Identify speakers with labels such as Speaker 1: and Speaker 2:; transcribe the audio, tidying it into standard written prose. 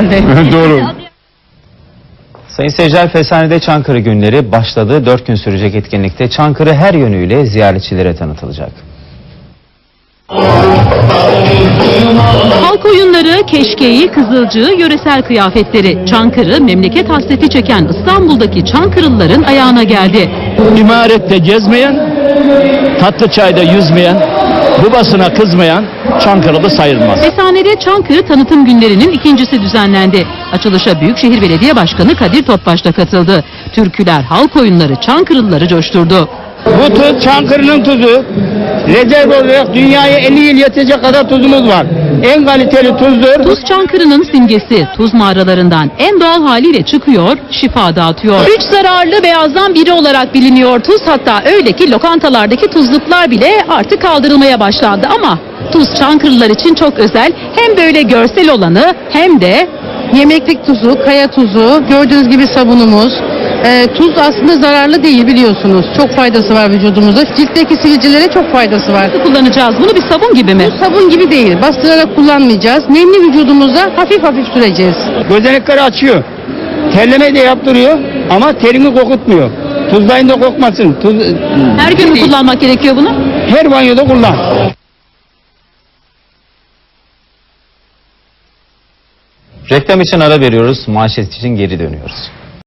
Speaker 1: herhalde.
Speaker 2: Doğru.
Speaker 3: Sayın seyirciler, Fesane'de Çankırı günleri başladı. 4 gün sürecek etkinlikte Çankırı her yönüyle ziyaretçilere tanıtılacak.
Speaker 1: Halk oyunları, keşkeği, kızılcığı, yöresel kıyafetleri. Çankırı, memleket hasreti çeken İstanbul'daki Çankırılıların ayağına geldi.
Speaker 2: İmarette gezmeyen, tatlı çayda yüzmeyen, babasına kızmayan Çankırılı sayılmaz.
Speaker 1: Fesane'de Çankırı tanıtım günlerinin ikincisi düzenlendi. Açılışa Büyükşehir Belediye Başkanı Kadir Topbaş da katıldı. Türküler, halk oyunları Çankırılıları coşturdu.
Speaker 4: Bu tuz Çankırı'nın tuzu. Rezerv olarak dünyaya 50 yıl yetecek kadar tuzumuz var. En kaliteli tuzdur.
Speaker 1: Tuz Çankırı'nın simgesi. Tuz mağaralarından en doğal haliyle çıkıyor, şifa dağıtıyor. 3 zararlı beyazdan biri olarak biliniyor tuz. Hatta öyle ki lokantalardaki tuzluklar bile artık kaldırılmaya başlandı. Ama tuz Çankırılılar için çok özel. Hem böyle görsel olanı hem de
Speaker 5: Yemeklik tuzu, kaya tuzu, gördüğünüz gibi sabunumuz. Tuz aslında zararlı değil, biliyorsunuz. Çok faydası var vücudumuza. Ciltteki sivilcelere çok faydası var.
Speaker 1: kullanacağız. Bunu bir sabun gibi mi?
Speaker 5: Bu sabun gibi değil. Bastırarak kullanmayacağız. Nemli vücudumuza hafif hafif süreceğiz.
Speaker 4: Gözenekleri açıyor. Terleme de yaptırıyor ama terini kokutmuyor. Tuzlayın da kokmasın.
Speaker 1: Her gün mü kullanmak gerekiyor bunu?
Speaker 4: Her banyoda kullan.
Speaker 3: Reklam için ara veriyoruz, manşet için geri dönüyoruz.